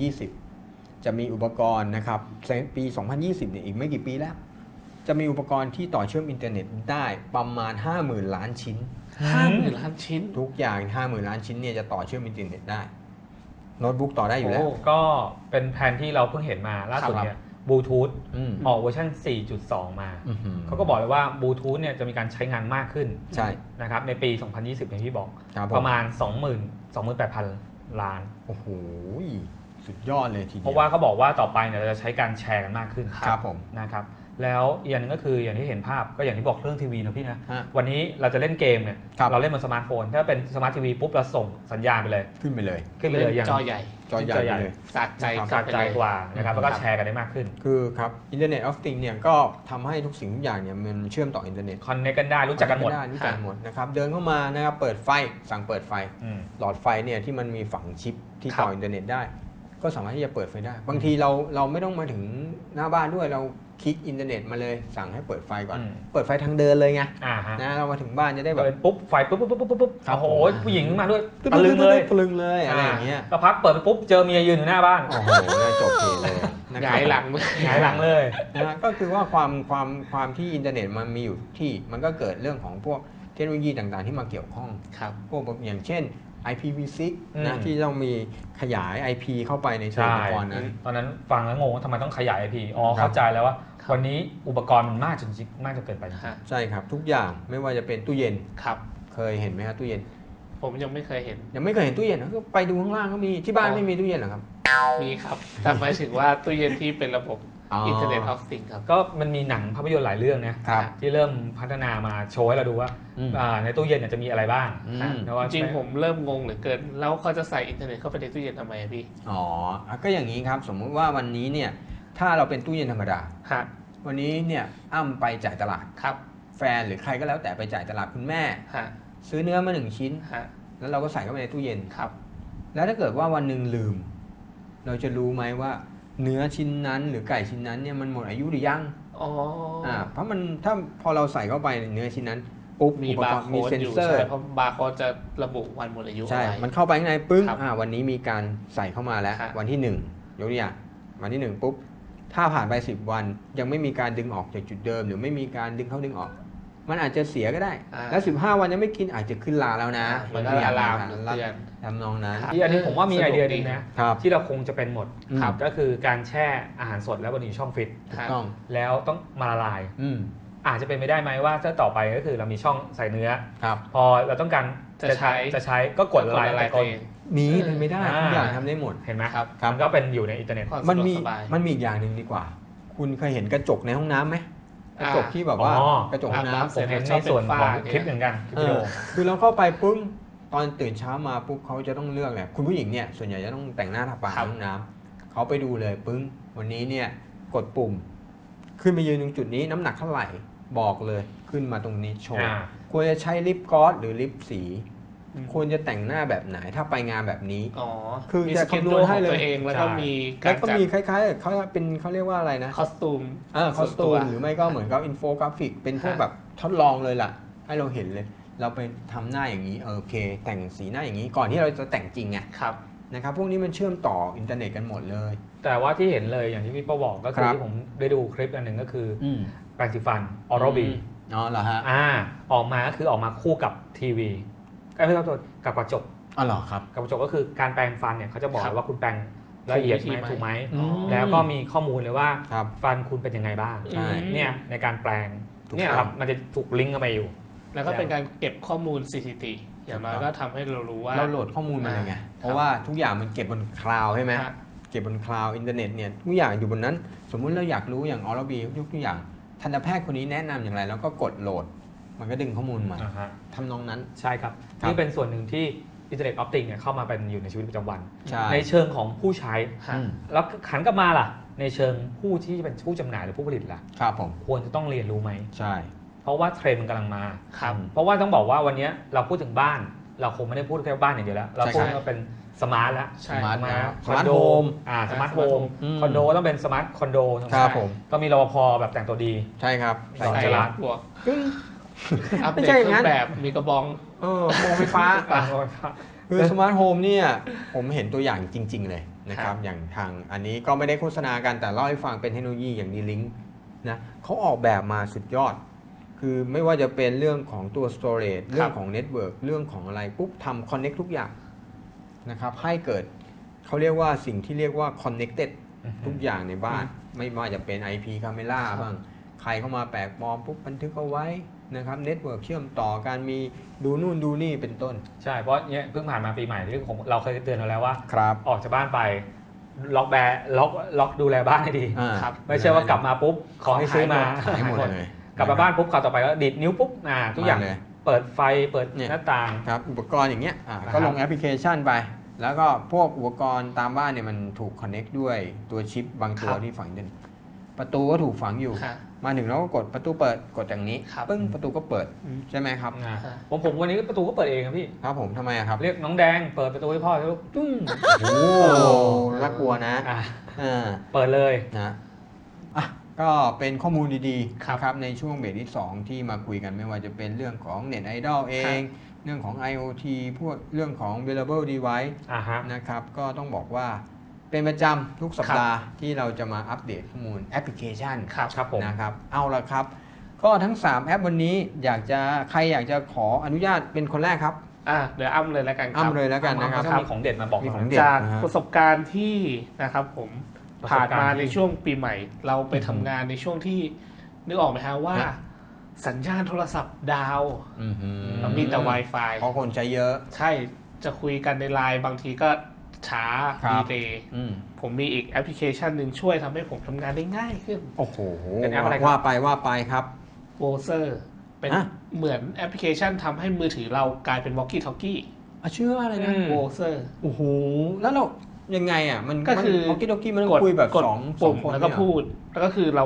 [SPEAKER 1] 2020 จะมีอุปกรณ์นะครับปี 2020 เนี่ยอีกไม่กี่ปีแล้ว จะมีอุปกรณ์ที่ต่อเชื่อมอินเทอร์เน็ตได้ประมาณ 50,000 ล้านชิ้น
[SPEAKER 3] 50,000 ล้านชิ้น
[SPEAKER 1] ทุกอย่าง 50,000 ล้านชิ้นเนี่ยจะต่อเชื่อมอินเทอร์เน็ตได้โน้ตบุ๊กต่อได้อยู่แล้ว
[SPEAKER 2] ก็เป็นแผนที่เราเพิ่งเห็นมาล่าสุดเนี่ยบลูทูธ
[SPEAKER 1] อืม
[SPEAKER 2] ออกเวอร์ชัน 4.2 มา
[SPEAKER 1] อื้อหือ
[SPEAKER 2] เขาก็บอกเลยว่าบลูทูธเนี่ยจะมีการใช้งานมากขึ้น
[SPEAKER 1] ใช่
[SPEAKER 2] นะครับในปี 2020 อย่างที่บอก
[SPEAKER 1] ครับผ
[SPEAKER 2] ประมาณ 28,000 ล้าน
[SPEAKER 1] โอ้โหสุดยอดเลยทีเดียว
[SPEAKER 2] เพราะว่าเขาบอกว่าต่อไปเนี่ยเราจะใช้การแชร์กันมากขึ้น
[SPEAKER 1] ครับผม
[SPEAKER 2] นะครับแล้วอีกอย่างหนึงก็คืออย่างที่เห็นภาพก็อย่างที่บอกเรื่องทีวีนะพี่นะ
[SPEAKER 1] ฮะ
[SPEAKER 2] วันนี้เราจะเล่นเกมเนี่ย
[SPEAKER 1] ครับ
[SPEAKER 2] เราเล่นบนสมาร์ทโฟน ถ้าเป็นสมาร์ททีวีปุ๊บเราส่งสัญญาณไปเลย
[SPEAKER 1] ขึ้นไปเลย
[SPEAKER 2] ขึ้นไปเลยอย่าง
[SPEAKER 3] จอใหญ่
[SPEAKER 1] จอใหญ่ไปเลย
[SPEAKER 3] สะใจ
[SPEAKER 1] ครับ
[SPEAKER 2] สะใจกว่านะครับแล้วก็
[SPEAKER 3] ครับ
[SPEAKER 2] แชร์กันได้มากขึ้น
[SPEAKER 1] คือครับ Internet of Things เนี่ยก็ทำให้ทุกสิ่งทุกอย่างเนี่ยมันเชื่อมต่ออินเทอร์เน็ต
[SPEAKER 2] คอนเนคกันได้รู้จักกันหมด
[SPEAKER 1] ได้รู้จักกันหมดนะครับเดินเข้ามานะครับเปิดไฟสั่งเปิดไฟ
[SPEAKER 2] อืม
[SPEAKER 1] หลอดไฟเนี่ยที่มันมีฝังชิปที่
[SPEAKER 2] ครับ
[SPEAKER 1] ต่ออินเทอร์เน็ตได้ ก็สามารถที่จะเปิดไฟได้ บางทีเราไม่ต้องมาถึงหน้าบ้านด้วยเราคลิกอินเทอร์เน็ตมาเลยสั่งให้เปิดไฟก่อน เปิดไฟทางเดินเลยไง
[SPEAKER 2] ฮะ
[SPEAKER 1] นะเรามาถึงบ้านจะได้แบบ
[SPEAKER 2] เปิดปุ๊บไฟปุ๊บปุ๊บปุ๊บปุ๊บปุ๊บ
[SPEAKER 1] ครับ
[SPEAKER 2] โอ้โห
[SPEAKER 1] ผม
[SPEAKER 2] ผู้หญิงมาด้วยตะลึงเลย
[SPEAKER 1] ตะลึงเลยอะไรอย่างเงี้ย
[SPEAKER 2] ก็พักเปิดไปปุ๊บเจอเมียยืนอยู่หน้าบ้าน
[SPEAKER 1] โอ้โหน่าจบเพลเลยนะ
[SPEAKER 3] ห
[SPEAKER 1] ครับ
[SPEAKER 3] งายหลัง
[SPEAKER 2] หงายหลังเลย
[SPEAKER 1] นะก็คือว่าความที่อินเทอร์เน็ตมันมีอยู่ที่มันก็เกิดเรื่องของพวกเทคโนโลยีต่างๆที่มาเกี่ยวข้อง
[SPEAKER 3] ครับ
[SPEAKER 1] พวกอย่างเช่น IPv6
[SPEAKER 2] อืม
[SPEAKER 1] นะที่ต้องมีขยาย IP เข้าไปในตัว
[SPEAKER 2] ใช่
[SPEAKER 1] อุปกรณ์นั้น
[SPEAKER 2] ตอนนั้นฟังแล้วงงว่าทำไมต้องขยาย IP อ๋อ
[SPEAKER 1] ครับ
[SPEAKER 2] เข้าใจแล้วว่า
[SPEAKER 3] ครับ
[SPEAKER 2] วันนี้อุปกรณ์มันมากจนเกินไป
[SPEAKER 3] ฮะ
[SPEAKER 1] ใช่ครับ ทุกอย่างไม่ว่าจะเป็นตู้เย็น
[SPEAKER 3] ครับ
[SPEAKER 1] เคยเห็นไหมครับตู้เย็น
[SPEAKER 3] ผมยังไม่เคยเห็น
[SPEAKER 1] ยังไม่เคยเห็นตู้เย็นนะก็ไปดูข้างล่างก็มีที่บ้านไม่มีตู้เย็นเหรอครับ
[SPEAKER 3] มีครับ แต่หมายถึงว่าตู้เย็นที่เป็นระบบ Internet of Things ครับ
[SPEAKER 2] ก็มันมีหนังภาพยนตร์หลายเรื่องนะครับ ที่เริ่มพัฒนามาโชว์ให้เราดูว่า
[SPEAKER 1] อืม
[SPEAKER 2] ในตู้เย็นเนี่ยจะมีอะไรบ้าง
[SPEAKER 1] อืม
[SPEAKER 2] นะว่า
[SPEAKER 3] จริงๆผมเริ่มงงเหลือเกิน แล้วเขาจะใส่อินเทอร์เน็ตเข้าไปในตู้เย็นทำไมอะพี่
[SPEAKER 1] อ๋อก็อย่างนี้ครับสมมุติว่าวันนี้เนี่ยถ้าเราเป็นตู้เย็นธรรมดา
[SPEAKER 3] ฮะ
[SPEAKER 1] วันนี้เนี่ยอ้ำไปจ่ายตลาด
[SPEAKER 3] ครับ
[SPEAKER 1] แฟนหรือใครก็แล้วแต่ไปจ่ายตลาดคุณแม่
[SPEAKER 3] ฮะ
[SPEAKER 1] ซื้อเนื้อมา1 ชิ้น
[SPEAKER 3] ฮะ
[SPEAKER 1] แล้วเราก็ใส่เข้าไปในตู้เย็น
[SPEAKER 3] ครับ
[SPEAKER 1] แล้วถ้าเกิดว่าวันหนึ่งลืม เราจะรู้ไหมว่าเนื้อชิ้นนั้นหรือไก่ชิ้นนั้นเนี่ยมันหมดอายุหรือยัง
[SPEAKER 3] อ๋อ
[SPEAKER 1] เพราะมันถ้าพอเราใส่เข้าไปในเนื้อชิ้นนั้นปุ๊บ
[SPEAKER 3] มี
[SPEAKER 1] อุป
[SPEAKER 3] บาก
[SPEAKER 1] รณ์
[SPEAKER 3] ร์
[SPEAKER 1] มี
[SPEAKER 3] โค้ด
[SPEAKER 1] เซ็น
[SPEAKER 3] อยู่
[SPEAKER 1] เซอร์
[SPEAKER 3] ใช่เพราะบาร์โค้ดจะระบุวันหมดอายุ
[SPEAKER 1] ใช่
[SPEAKER 3] อะไร
[SPEAKER 1] มันเข้าไปข้างในปึ้ง
[SPEAKER 3] ครับ
[SPEAKER 1] วันนี้มีการใส่เข้ามาแล้ว
[SPEAKER 3] ครับ
[SPEAKER 1] วันที่1ยกตัวอย่างวันที่1ปุ๊บถ้าผ่านไป10 วันยังไม่มีการดึงออกจากจุดเดิม หรือไม่มีการดึงเข้าดึงออก มันอาจจะเสียก็ได้ แล้ว15 วันยังไม่กินอาจจะขึ้นลาแล้วนะ
[SPEAKER 3] มันก็อะลามเตือน
[SPEAKER 1] ทำนองนั้น
[SPEAKER 3] ครับ
[SPEAKER 2] ที่อันนี้ผมว่ามีไอเดียหนึงนะครับ ที่เราคงจะเป็นหมด
[SPEAKER 1] ครับ
[SPEAKER 2] ก็คือการแช่อาหารสดแล้วบนอยู่ช่องฟิต
[SPEAKER 1] ถูกต้อง
[SPEAKER 2] แล้วต้องมาละลาย
[SPEAKER 1] อืม
[SPEAKER 2] อาจจะเป็นไปได้ไหมว่าถ้าต่อไปก็คือเรามีช่องใส่เนื้อ
[SPEAKER 1] ครับ
[SPEAKER 2] พอเราต้องการ
[SPEAKER 3] จะใช้
[SPEAKER 2] ก็กดละลาย
[SPEAKER 3] อะไร
[SPEAKER 2] แต่ก่อน
[SPEAKER 3] เอง
[SPEAKER 1] มีเป็นไม่ได้ทุกอย่างทำได้หมด
[SPEAKER 2] เห็นไหม
[SPEAKER 3] ครับ
[SPEAKER 2] มันก็เป็นอยู่ในอินเทอร์เน็ต
[SPEAKER 3] ความ
[SPEAKER 1] มัน
[SPEAKER 3] สะดวก
[SPEAKER 1] มี
[SPEAKER 3] สบาย
[SPEAKER 1] มันมีอีกอย่างหนึ่งดีกว่า คุณเคยเห็นกระจกในห้องน้ำไหมกระจกที่แบบว่า
[SPEAKER 2] อ๋อ
[SPEAKER 1] กระจกห้องน้ำ
[SPEAKER 2] ผมเห็นในส่วนของคลิปเหมือนกันคลิปวิดีโอ
[SPEAKER 1] คือเราเข้าไปปุ๊บตอนตื่นเช้ามาปุ๊บเขาจะต้องเลือกแหละคุณผู้หญิงเนี่ยส่วนใหญ่จะต้องแต่งหน้าทาปาก
[SPEAKER 3] ครับ
[SPEAKER 1] ในห้องน้ำเขาไปดูเลยปึ้งวันนี้เนี่ยกดปุ่ม ขึ้นไปยืนตรงจุดนี้น้ำหนักเท่าไหร่บอกเลยขึ้นมาตรงนี้โชว์
[SPEAKER 2] อ่า
[SPEAKER 1] ควรจะใช้ลิปกลอสหรือลิปสี
[SPEAKER 3] อืม
[SPEAKER 1] ควรจะแต่งหน้าแบบไหนถ้าไปงานแบบนี้
[SPEAKER 3] อ๋อ
[SPEAKER 1] คือ
[SPEAKER 3] มี
[SPEAKER 1] จะ
[SPEAKER 3] สเกจ
[SPEAKER 1] คำน
[SPEAKER 3] ดู
[SPEAKER 1] วณ
[SPEAKER 3] ข
[SPEAKER 1] ให้
[SPEAKER 3] อง
[SPEAKER 1] เลย
[SPEAKER 3] ตัวเองแล้วก็
[SPEAKER 2] ใช่
[SPEAKER 3] มีกา
[SPEAKER 1] แล้
[SPEAKER 3] ร
[SPEAKER 1] วก็
[SPEAKER 3] จัด
[SPEAKER 1] มีคล้ายๆเขาเป็นเขาเรียกว่าอะไรนะ
[SPEAKER 3] คอสตูม
[SPEAKER 1] คอสตู
[SPEAKER 3] ส่วน
[SPEAKER 1] ม
[SPEAKER 3] ตัว
[SPEAKER 1] หรือไม่ก็เหมือนกับอินโฟกราฟิกเป็นพวก
[SPEAKER 3] ฮะ
[SPEAKER 1] แบบทดลองเลยล่ะ ให้เราเห็นเลย เราไปทำหน้าอย่างนี้โอเค แต่งสีหน้าอย่างนี้ก่อนที่เราจะแต่งจริงไง
[SPEAKER 3] ครับ
[SPEAKER 1] นะครับพวกนี้มันเชื่อมต่ออินเทอร์เน็ตกันหมดเลย
[SPEAKER 2] แต่ว่าที่เห็นเลยอย่างที่พี่ป้าบอกก็คือ
[SPEAKER 1] ครับ
[SPEAKER 2] ที่ผมได้ดูคลิปอันหนึ่งก็คือ
[SPEAKER 1] อืม
[SPEAKER 2] แปรงสีฟันออโรบี
[SPEAKER 1] อ๋อเหรอฮะ
[SPEAKER 2] ออกมาก็คือออกมาคู่กับทีวีไม่ใช่ตัวกับกระจก
[SPEAKER 1] อ๋อเหรอครับ
[SPEAKER 2] กับกระจกก็คือการแปรงฟันเนี่ยเขาจะบอก
[SPEAKER 3] ครับ
[SPEAKER 2] ว่าคุณแปรงละเอียดไหม
[SPEAKER 3] ถู
[SPEAKER 2] ถู
[SPEAKER 3] ก
[SPEAKER 2] ก
[SPEAKER 3] ไห
[SPEAKER 2] ไห
[SPEAKER 3] ม
[SPEAKER 2] ม
[SPEAKER 1] อืม
[SPEAKER 2] แล้วก็มีข้อมูลเลยว่า
[SPEAKER 1] ครับ
[SPEAKER 2] ฟันคุณเป็นยังไงบ้าง
[SPEAKER 1] ใช่
[SPEAKER 2] เนี่ยในการแปลง
[SPEAKER 1] ถูก
[SPEAKER 2] เนี่ย
[SPEAKER 1] ต้อง
[SPEAKER 2] ครับมันจะถูกลิงก์เข้าไปอยู่
[SPEAKER 3] แล้วก็เป็นการเก็บข้อมูลสถิติอย่างน้อยก็ทำให้เรารู้ว่า
[SPEAKER 1] เราโหลดข้อมูลมาเลยไง เพราะว่าทุกอย่างมันเก็บบนคลาวด์ใช่ไหม
[SPEAKER 3] ฮะ
[SPEAKER 1] เก็บบนคลาวด์อินเทอร์เน็ตเนี่ยทุกอย่างอยู่บนนั้น สมมุติเราอยากรู้อย่างออร์บียกตัวอย่างทันตแพทย์คนนี้แนะนำอย่างไรแล้วก็กดโหลด มันก็ดึงข้อมูลมาทำนองนั้น
[SPEAKER 2] ใช่ครับ
[SPEAKER 1] ครับ
[SPEAKER 2] นี่เป็นส่วนหนึ่งที่อินเทอร์เน็ตออฟติงเนี่ยเข้ามาเป็นอยู่ในชีวิตประจำวัน
[SPEAKER 1] ใช่
[SPEAKER 2] ในเชิงของผู้ใช้
[SPEAKER 3] ฮะ
[SPEAKER 1] อืม
[SPEAKER 2] แล้วขันกลับมาล่ะ ในเชิงผู้ที่เป็นผู้จำหน่ายหรือผู้ผลิตล่ะ
[SPEAKER 1] ครับผม
[SPEAKER 2] ควรจะต้องเรียนรู้ไหม
[SPEAKER 1] ใช่
[SPEAKER 2] เพราะว่าเทรนด์มันกำลังมา
[SPEAKER 3] ครับ
[SPEAKER 2] เพราะว่าต้องบอกว่าวันนี้เราพูดถึงบ้าน เราคงไม่ได้พูดแค่บ้านอย่างเดียวแล้ว เราพูดว่าเป็นสมาร์ทแล้ว
[SPEAKER 3] ใช่
[SPEAKER 1] สมาร์ท
[SPEAKER 2] คอนโด
[SPEAKER 1] โฮม
[SPEAKER 2] สมาร์ทโฮม
[SPEAKER 1] อืม
[SPEAKER 2] คอนโดต้องเป็นสมาร์ทคอนโด
[SPEAKER 1] ครับผม
[SPEAKER 2] ก็มีรปภแบบแต่งตัวดี
[SPEAKER 1] ใช่ครับ
[SPEAKER 2] ใส่
[SPEAKER 3] ใส่
[SPEAKER 2] จราจ
[SPEAKER 3] บวก
[SPEAKER 1] กึ้ง
[SPEAKER 3] อัป
[SPEAKER 1] ไม่
[SPEAKER 3] เดต
[SPEAKER 1] ใช่
[SPEAKER 3] เค
[SPEAKER 1] อย่าง
[SPEAKER 3] รื่
[SPEAKER 1] นั้
[SPEAKER 3] อน งแบบมีกระบอง
[SPEAKER 1] โมงไฟฟ้า
[SPEAKER 2] อ่ะ
[SPEAKER 1] คือสมาร์ทโฮมเนี่ยผมเห็นตัวอย่างจริง ๆ เลยนะครับ
[SPEAKER 3] ครับ
[SPEAKER 1] อย่างทางอันนี้ก็ไม่ได้โฆษณากันแต่เล่าให้ฟังเป็นเทคโนโลยีอย่างดีลิงก์นะเขาออกแบบมาสุดยอด คือไม่ว่าจะเป็นเรื่องของตัว storage เรื่องของ network เรื่องของอะไรปุ๊บทำ connect ทุกอย่างนะครับให้เกิดเขาเรียกว่าสิ่งที่เรียกว่า connected ทุกอย่างในบ้าน ไม่ว่าจะเป็น IP camera
[SPEAKER 3] ครับ
[SPEAKER 1] บ้างใครเข้ามาแปลกปลอมปุ๊บบันทึกเอาไว้นะครับเน็ตเวิร์กเชื่อมต่อการมีดูนู่นดูนี่เป็นต้น
[SPEAKER 2] ใช่ เพราะเนี่ยเพิ่งผ่านมาปีใหม่ที่เราเคยเตือนเราแล้วว่า
[SPEAKER 1] ครับ
[SPEAKER 2] ออกจากบ้านไปล็อกดูแลบ้านให้ดี
[SPEAKER 3] ครับ
[SPEAKER 2] ไม่ใช่ว่ากลับมาปุ๊บขอให้ซื้อมา
[SPEAKER 1] หายหมดเลย
[SPEAKER 2] กลับมาบ้านปุ๊บข่าวต่อไปก็ดีดนิ้วปุ๊บทุกอย่าง
[SPEAKER 1] มาเลย
[SPEAKER 2] เปิดไฟเปิด
[SPEAKER 1] เนี่ย
[SPEAKER 2] หน้าต่าง
[SPEAKER 1] ครับอุปกรณ์อย่างเงี้ย
[SPEAKER 2] นะครับ
[SPEAKER 1] ก็ลงแอปพลิเคชันไป แล้วก็พวกอุปกรณ์ตามบ้านเนี่ยมันถูกคอนเน็กด้วยตัวชิปบางตัวที่ฝังอยู่ประตูก็ถูกฝังอยู่
[SPEAKER 3] ฮะ
[SPEAKER 1] มาถึงเราก็กดประตูเปิดกดอย่างนี้
[SPEAKER 3] ครับ
[SPEAKER 1] ปึ้งประตูก็เปิด
[SPEAKER 3] อืม
[SPEAKER 1] ใช่ไหมครับ
[SPEAKER 2] ผมวันนี้ประตูก็เปิดเองครับพี่
[SPEAKER 1] ครับผมทำไมอะครับ
[SPEAKER 2] เรียกน้องแดงเปิดประตูให้พ่อแล้วตึ้ง
[SPEAKER 1] โอ้น่ากลัวนะ
[SPEAKER 2] อ่ะ
[SPEAKER 1] อ่า
[SPEAKER 2] เปิดเลย
[SPEAKER 1] นะอ่ะก็เป็นข้อมูลดีๆ
[SPEAKER 3] ครับ
[SPEAKER 1] นะครับในช่วงเบรกที่ 2 ที่มาคุยกันไม่ว่าจะเป็นเรื่องของเน็ตไอดอลเอง เรื่องของ IoT พวกเรื่องของ wearable device
[SPEAKER 2] ฮะ
[SPEAKER 1] นะครับก็ต้องบอกว่าเป็นประจำทุกสัปดาห์ที่เราจะมาอัปเดตข้อมูลแอปพลิเคชัน
[SPEAKER 2] ครับผม
[SPEAKER 1] นะครับเอาละครับ ก็ทั้ง 3 แอปวันนี้ใครอยากจะขออนุญาตเป็นคนแรกครับ
[SPEAKER 3] เดี๋ยวอ้ำเลยแล้วกันค
[SPEAKER 1] อ้ำ
[SPEAKER 3] รับ
[SPEAKER 1] เลยแล้วกันนะครับ
[SPEAKER 2] ถ้ามีของเด็ดมาบอก
[SPEAKER 1] มี
[SPEAKER 2] หน่
[SPEAKER 1] ข
[SPEAKER 2] อ
[SPEAKER 1] อง
[SPEAKER 2] ย
[SPEAKER 1] เด็ด
[SPEAKER 3] จาก
[SPEAKER 1] นะฮะ
[SPEAKER 3] ประสบการณ์ที่นะครับผม
[SPEAKER 2] ประสบการณ์
[SPEAKER 3] ผ่านมา
[SPEAKER 2] ที่
[SPEAKER 3] ในช่วงปีใหม่ เราไปทำงานในช่วงที่นึกออกไหมฮะว่า
[SPEAKER 1] ฮะ
[SPEAKER 3] สัญญาณโทรศัพท์ดาว
[SPEAKER 1] อื้อหือ
[SPEAKER 3] มีแต่ Wi-Fi
[SPEAKER 1] เพราะคนใช้เยอะ
[SPEAKER 3] ใช่จะคุยกันในไลน์บางทีก็ช้า
[SPEAKER 1] ครับ
[SPEAKER 3] ดีเลย์
[SPEAKER 1] อืม
[SPEAKER 3] ผมมีอีกแอปพลิเคชันหนึ่งช่วยทำให้ผมทำงานได้ง่ายขึ้น
[SPEAKER 1] โอ้โห
[SPEAKER 2] เป็นแอปอะไรครับ
[SPEAKER 1] ว่าไปครับ
[SPEAKER 3] โวเซอร์เป็น
[SPEAKER 1] อ่ะ
[SPEAKER 3] เหมือนแอปพลิเคชันทำให้มือถือเรากลายเป็น Walkie Talkie
[SPEAKER 1] ชื่อว่าอะไรนะ
[SPEAKER 3] โวเซอร์
[SPEAKER 1] โอ้โหแล้วเรายังไงอ่ะมัน
[SPEAKER 3] ก็คือ
[SPEAKER 1] โอเคโอเคมันต้องคุยแบบ
[SPEAKER 3] กด
[SPEAKER 1] สอง
[SPEAKER 3] ปุ่ม
[SPEAKER 1] คน
[SPEAKER 3] แล้วก็
[SPEAKER 1] เนี่ย
[SPEAKER 3] พูด แล้วก็คือเรา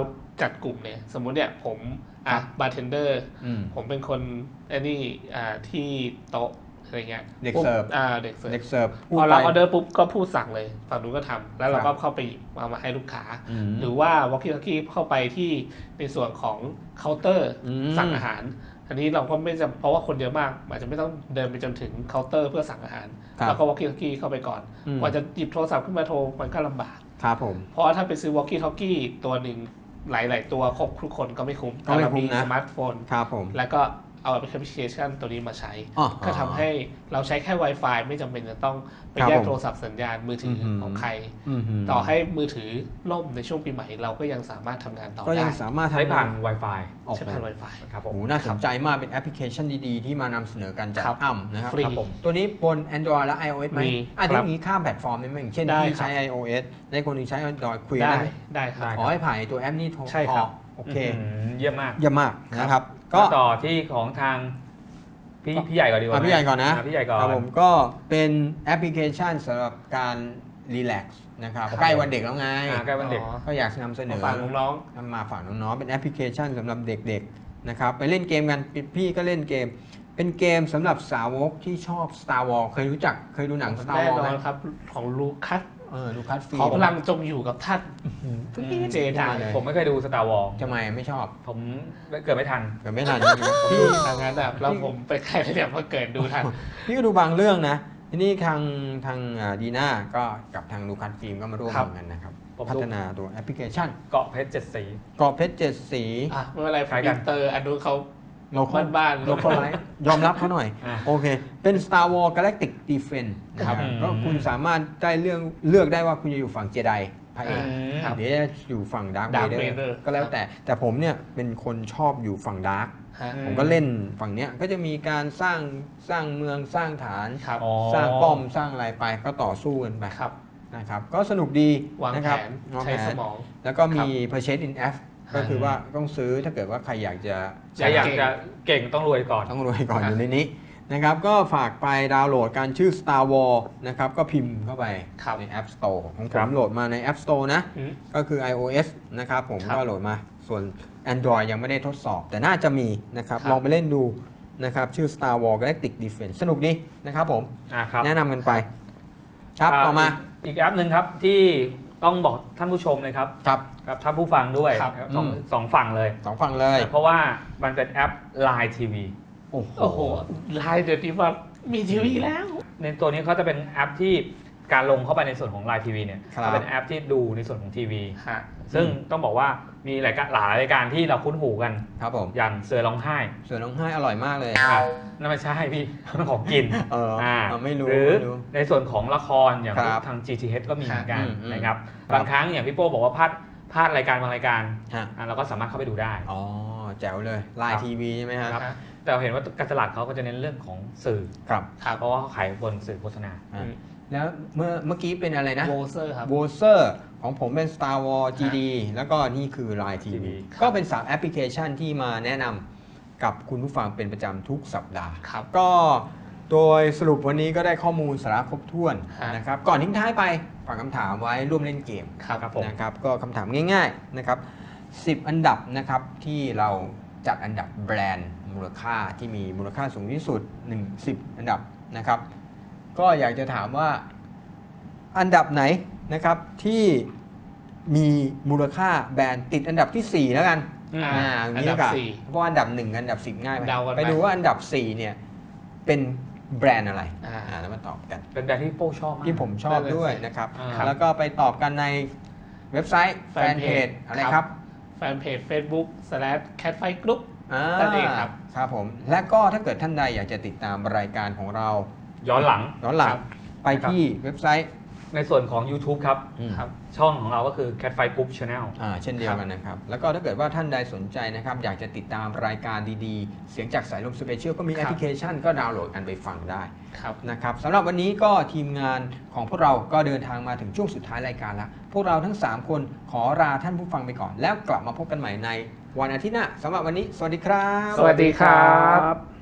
[SPEAKER 3] จัดกลุ่มเนี่ยสมมุติเนี่ยผมบาร์เทนเดอร์ผมเป็นคนที่โต๊ะอะไรเงี้ย
[SPEAKER 1] เด็กเสิร์ฟ
[SPEAKER 3] เด็กเสิร์ฟ
[SPEAKER 1] เด็กเสิร์ฟ
[SPEAKER 3] พอรับออเดอร์ปุ๊บก็พูดสั่งเลยฝั่งนู้นก็ทำแล้วเราก็เข้าไปเอามาให้ลูกค้า หรือว่าวอลกี้ทอกี้เข้าไปที่ในส่วนของเคาน์เตอร์สั่งอาหารอันนี้เราก็ไม่จำเพราะว่าคนเยอะมากอาจจะไม่ต้องเดินไปจนถึงเคาน์เตอร์เพื่อสั่งอาหารแล้วก็วอลกี้ทอกี้เข้าไปก่อนกว่าจะหยิบโทรศัพท์ขึ้นมาโทรมันก็ลำบาก
[SPEAKER 1] ครับผม
[SPEAKER 3] เพราะถ้าไปซื้อวอลกี้ทอกี้ตัวหนึ่งหลายๆตัวครบทุกคนก็ไม่คุ้ม
[SPEAKER 1] ก็ไม่คุ้มนะ
[SPEAKER 3] สมาร์ทโฟน
[SPEAKER 1] ครับผม
[SPEAKER 3] แล้วก็เอาแอปพลิเคชันตัวนี้มาใช้ก็ทำให้เราใช้แค่ Wi-Fi ไม่จำเป็นจะต้องไปแยกโทรศัพท์สัญญาณมือถือของใครต่อให้มือถือล่มในช่วงปีใหม่เราก็ยังสามารถทำงานต่อได้
[SPEAKER 1] ก็ยังสามารถ
[SPEAKER 2] ใช้ผ่าน Wi-Fi
[SPEAKER 3] ใช้ผ่าน Wi-Fi
[SPEAKER 2] ครับผม
[SPEAKER 1] น่าสนใจมากเป็นแอปพลิเคชันดีๆที่มานำเสนอกันจากอ้ำนะครับ
[SPEAKER 3] ฟรี
[SPEAKER 1] ตัวนี้บน Android และ iOS ไหม
[SPEAKER 3] มี
[SPEAKER 1] อันนี้มีข้ามแพลตฟอร์มได้ไหมอย่างเช่นที่ใช้ iOS ในคนที่ใช้ Android คุยได้
[SPEAKER 3] ครับ
[SPEAKER 1] ขอให้ผ่านตัวแอปนี้โทร
[SPEAKER 3] ใช่ครับ
[SPEAKER 1] โอเค
[SPEAKER 2] เยี่ยมมาก
[SPEAKER 1] เยี่ยมมากนะครับ
[SPEAKER 2] ก็ต่อที่ของทางพี่ใหญ่ก่อนดีกว่า
[SPEAKER 1] พี่ใหญ่ก่อนนะ
[SPEAKER 2] พี่ใหญ่ก่อน
[SPEAKER 1] ผมก็เป็นแอปพลิเคชันสำหรับการรีแลกซ์นะครับใกล้วันเด็กแล้วไง
[SPEAKER 2] ใกล้วันเด็ก
[SPEAKER 1] ก็อยากนำเสนอ
[SPEAKER 3] ฝากน้องๆ
[SPEAKER 1] มาฝากน้องๆเป็นแอปพลิเคชันสำหรับเด็กๆนะครับไปเล่นเกมกันพี่ก็เล่นเกม เป็นเกมสำหรับสาวกที่ชอบ Star Wars เคยดูหนัง Star
[SPEAKER 3] แน่
[SPEAKER 1] Wars
[SPEAKER 3] นอ
[SPEAKER 1] ไหม
[SPEAKER 3] นครับของลูคัส
[SPEAKER 1] ลูคัสฟิล์
[SPEAKER 3] ขอ
[SPEAKER 1] ม
[SPEAKER 3] พลังจงอยู่กับท่านเจได
[SPEAKER 2] ผมไม่เคยดู Star Wars
[SPEAKER 1] ทำไมไม่ชอบ
[SPEAKER 2] ผมเกิดไม่ทัน
[SPEAKER 1] เกิดไม่ทัน
[SPEAKER 3] พี่ทางนั้นแบบแล้วผมไปใครเนี่ยมาเกิดดูทัน
[SPEAKER 1] พี่ก็ดูบางเรื่องนะทีนี้ทางดีน่าก็กับทางลูคัสฟิล์มก็มาร่วมกันนะครับพัฒนาตัวแอปพลิเคชัน
[SPEAKER 2] เกาะเพชร7 สี
[SPEAKER 1] เกาะเพชร7 สี
[SPEAKER 3] ไม่เป็นไร
[SPEAKER 2] คล้ายกัน
[SPEAKER 3] อินเตอร์อันนู้นเขา บ้านๆ
[SPEAKER 1] โลคอลไลท์ยอมรับเขาหน่อย โอเค เป็น Star Wars Galactic Defense นะครับก็คุณสามารถได้เลือกได้ว่าคุณจะอยู่ฝั่งเจไดพระเอกเดี๋ยวจะอยู่ฝั่งดาร์คเวเดอร์ก็แล้วแต่ผมเนี่ยเป็นคนชอบอยู่ฝั่งดาร์คผมก็เล่นฝั่งเนี้ยก็จะมีการสร้างเมืองสร้างฐานสร้างป้อมสร้างอะไรไปก็ต่อสู้กันไปนะครับก็สนุกดี
[SPEAKER 3] วาง
[SPEAKER 1] นะ
[SPEAKER 3] แผ
[SPEAKER 1] ครับ
[SPEAKER 3] นใช้สมอง
[SPEAKER 1] แล้วก็มี Purchase in App ก็คือว่าต้องซื้อถ้าเกิดว่าใครอยากจะ
[SPEAKER 2] เก่งต้องรวยก่อน
[SPEAKER 1] ต้องรวยก่อนอยู่ในนี้นะครับก็ฝากไปดาวน์โหลดการชื่อ Star Wars นะครับก็พิมพ์เข้าไปใน App Store ของผมโหลดมาใน App Store นะก็คือ iOS นะครับผมก็โหลดมาส่วน Android ยังไม่ได้ทดสอบแต่น่าจะมีนะครับลองไปเล่นดูนะครับชื่อ Star Wars Galactic Defense สนุกดีนะครับผมแนะนำกันไปครับต่อมา
[SPEAKER 2] อีกแอปหนึ่งครับที่ต้องบอกท่านผู้ชมเลยครับกับท่านผู้ฟังด้วยสองฝั่งเลยเพราะว่ามันเป็นแอป Line TV
[SPEAKER 3] โอ้โหไลน์เดี๋ยวนี้ว่ามีทีวีแล้ว
[SPEAKER 2] ในตัวนี้เขาจะเป็นแอปที่การลงเข้าไปในส่วนของ Line TV เนี่ยเป็นแอปที่ดูในส่วนของทีวีซึ่งต้องบอกว่ามีหลายรายการที่เราคุ้นหูกัน
[SPEAKER 1] ครับผม
[SPEAKER 2] อย่างเสือร้องไห้
[SPEAKER 1] อร่อยมากเลย
[SPEAKER 2] นั่นไม่ใช่พี่ของกิน
[SPEAKER 1] ไม่รู้
[SPEAKER 2] หรือในส่วนของละครอย่างทาง GTH ก็มีเหมือนกันนะครับบางครั้งอย่างพี่โป้บอกว่าพลาดรายการบางรายการเราก็สามารถเข้าไปดูได้
[SPEAKER 1] อ๋อแจ๋วเลย Line TV ใช่ไหมครับ
[SPEAKER 2] แต่เห็นว่าการตลาดเขาก็จะเน้นเรื่องของสื่อเพราะว่าเขาขายบนสื่อโฆษณา
[SPEAKER 1] แล้วเมื่อกี้เป็นอะไรนะ
[SPEAKER 3] โวเซอร์ครับ
[SPEAKER 1] โวเซอร์ของผมเป็น Star Wars GD แล้วก็นี่คือ Line TV ก็เป็น3แอปพลิเคชันที่มาแนะนำกับคุณผู้ฟังเป็นประจำทุกสัปดาห์ก็โดยสรุปวันนี้ก็ได้ข้อมูลสาระครบถ้วนนะครับก่อนทิ้งท้ายไปฝากคำถามไว้ร่วมเล่นเกมนะครับก็คำถามง่ายๆนะครับ10 อันดับนะครับที่เราจัดอันดับแบรนด์มูลค่าที่มีมูลค่าสูงที่สุด10 อันดับนะครับก็อยากจะถามว่าอันดับไหนนะครับที่มีมูลค่าแบรนด์ติดอันดับที่4แล้วกัน
[SPEAKER 3] อันดับ
[SPEAKER 1] 4เพราะอันดับ1อันดับ10ง่ายไปดูว่าอันดับ4เนี่ยเป็นแบรนด์อะไรแล้วมาตอบกัน
[SPEAKER 2] เป็นแบรนด์ที่โป้ชอบ
[SPEAKER 1] ที่ผมชอบด้วยนะครับแล้วก็ไปตอบกันในเว็บไซต์แฟนเพจอะไรครับ
[SPEAKER 3] แฟนเพจ Facebook/catfightgroup นั่นเองครับ
[SPEAKER 1] ผมและก็ถ้าเกิดท่านใดอยากจะติดตามรายการของเรา
[SPEAKER 2] ย้อนหลัง
[SPEAKER 1] ไปที่เว็บไซต์
[SPEAKER 2] ในส่วนของ YouTube ครับช่องของเราก็คือ Catfight Group Channel
[SPEAKER 1] เช่นเดียวกันนะครับแล้วก็ถ้าเกิดว่าท่านใดสนใจนะครับอยากจะติดตามรายการดีๆเสียงจากสายลมสเปเชียลก็มีแอปพลิเคชันก็ดาวน์โหลดกันไปฟังได้นะครับสำหรับวันนี้ก็ทีมงานของพวกเราก็เดินทางมาถึงช่วงสุดท้ายรายการแล้วพวกเราทั้ง3คนขอลาท่านผู้ฟังไปก่อนแล้วกลับมาพบกันใหม่ในวันอาทิตย์หน้าสำหรับวันนี้สวัสดีครับ
[SPEAKER 3] สวัสดีครับ